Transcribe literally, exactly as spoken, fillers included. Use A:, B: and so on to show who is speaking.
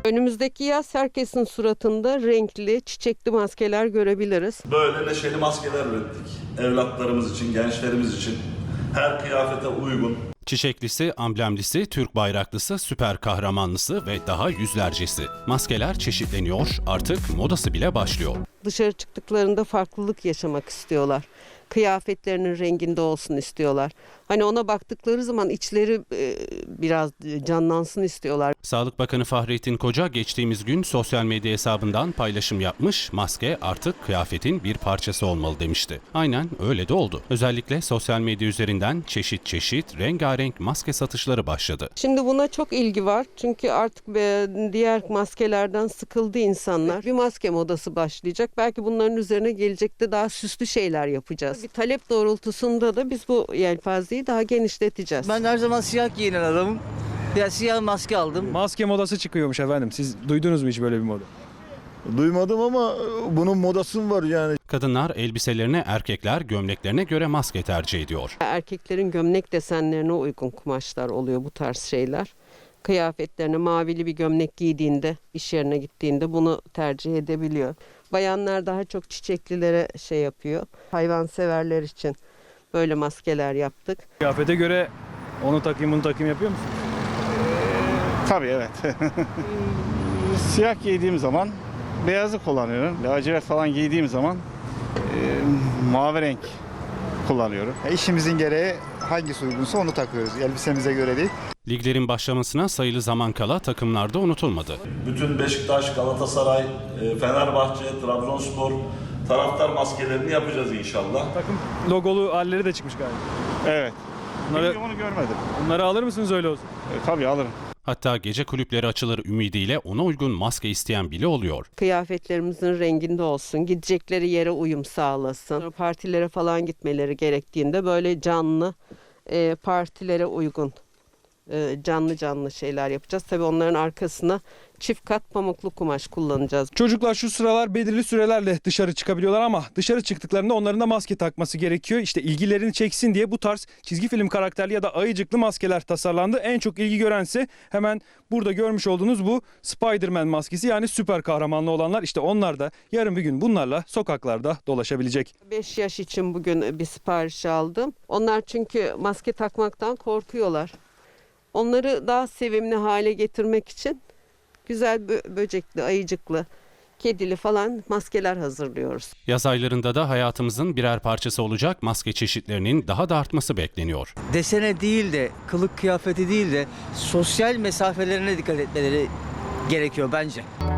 A: Önümüzdeki yaz herkesin suratında renkli, çiçekli maskeler görebiliriz.
B: Böyle neşeli maskeler ürettik. Evlatlarımız için, gençlerimiz için her kıyafete uygun.
C: Çiçeklisi, amblemlisi, Türk bayraklısı, süper kahramanlısı ve daha yüzlercesi. Maskeler çeşitleniyor, artık modası bile başlıyor.
A: Dışarı çıktıklarında farklılık yaşamak istiyorlar. Kıyafetlerinin renginde olsun istiyorlar. Hani ona baktıkları zaman içleri e, biraz canlansın istiyorlar.
C: Sağlık Bakanı Fahrettin Koca geçtiğimiz gün sosyal medya hesabından paylaşım yapmış, maske artık kıyafetin bir parçası olmalı demişti. Aynen öyle de oldu. Özellikle sosyal medya üzerinden çeşit çeşit rengarenk maske satışları başladı.
A: Şimdi buna çok ilgi var. Çünkü artık diğer maskelerden sıkıldı insanlar. Bir maske modası başlayacak. Belki bunların üzerine gelecekte daha süslü şeyler yapacağız. Bir talep doğrultusunda da biz bu yelpazeyi daha genişleteceğiz.
D: Ben her zaman siyah giyinen adamım. Ya siyah maske aldım.
E: Maske modası çıkıyormuş efendim. Siz duydunuz mu hiç böyle bir moda?
F: Duymadım ama bunun modası mı var yani?
C: Kadınlar elbiselerine, erkekler gömleklerine göre maske tercih ediyor.
A: Erkeklerin gömlek desenlerine uygun kumaşlar oluyor bu tarz şeyler. Kıyafetlerine mavili bir gömlek giydiğinde, iş yerine gittiğinde bunu tercih edebiliyor. Bayanlar daha çok çiçeklilere şey yapıyor. Hayvanseverler için böyle maskeler yaptık.
E: Kıyafete göre onu takayım bunu takayım yapıyor musunuz?
G: Tabii evet. Siyah giydiğim zaman beyazı kullanıyorum. Lacivert falan giydiğim zaman e, mavi renk kullanıyorum.
H: İşimizin gereği hangisi uygunsa onu takıyoruz. Elbisemize göre değil.
C: Liglerin başlamasına sayılı zaman kala takımlarda unutulmadı.
B: Bütün Beşiktaş, Galatasaray, Fenerbahçe, Trabzonspor taraftar maskelerini yapacağız inşallah.
E: Takım logolu halleri de çıkmış galiba.
G: Evet.
E: Bunları,
G: Bunu görmedim.
E: bunları alır mısınız öyle olsun?
G: E, tabii alırım.
C: Hatta gece kulüpleri açılır ümidiyle ona uygun maske isteyen bile oluyor.
A: Kıyafetlerimizin renginde olsun, gidecekleri yere uyum sağlasın. Partilere falan gitmeleri gerektiğinde böyle canlı e, partilere uygun e, canlı canlı şeyler yapacağız. Tabii onların arkasına çift kat pamuklu kumaş kullanacağız.
E: Çocuklar şu sıralar belirli sürelerle dışarı çıkabiliyorlar ama dışarı çıktıklarında onların da maske takması gerekiyor. İşte ilgilerini çeksin diye bu tarz çizgi film karakterli ya da ayıcıklı maskeler tasarlandı. En çok ilgi görense hemen burada görmüş olduğunuz bu Spider-Man maskesi, yani süper kahramanlı olanlar. İşte onlar da yarın bir gün bunlarla sokaklarda dolaşabilecek.
A: beş yaş için bugün bir sipariş aldım. Onlar çünkü maske takmaktan korkuyorlar. Onları daha sevimli hale getirmek için güzel bö- böcekli, ayıcıklı, kedili falan maskeler hazırlıyoruz.
C: Yaz aylarında da hayatımızın birer parçası olacak maske çeşitlerinin daha da artması bekleniyor.
D: Desene değil de, kılık kıyafeti değil de sosyal mesafelerine dikkat etmeleri gerekiyor bence.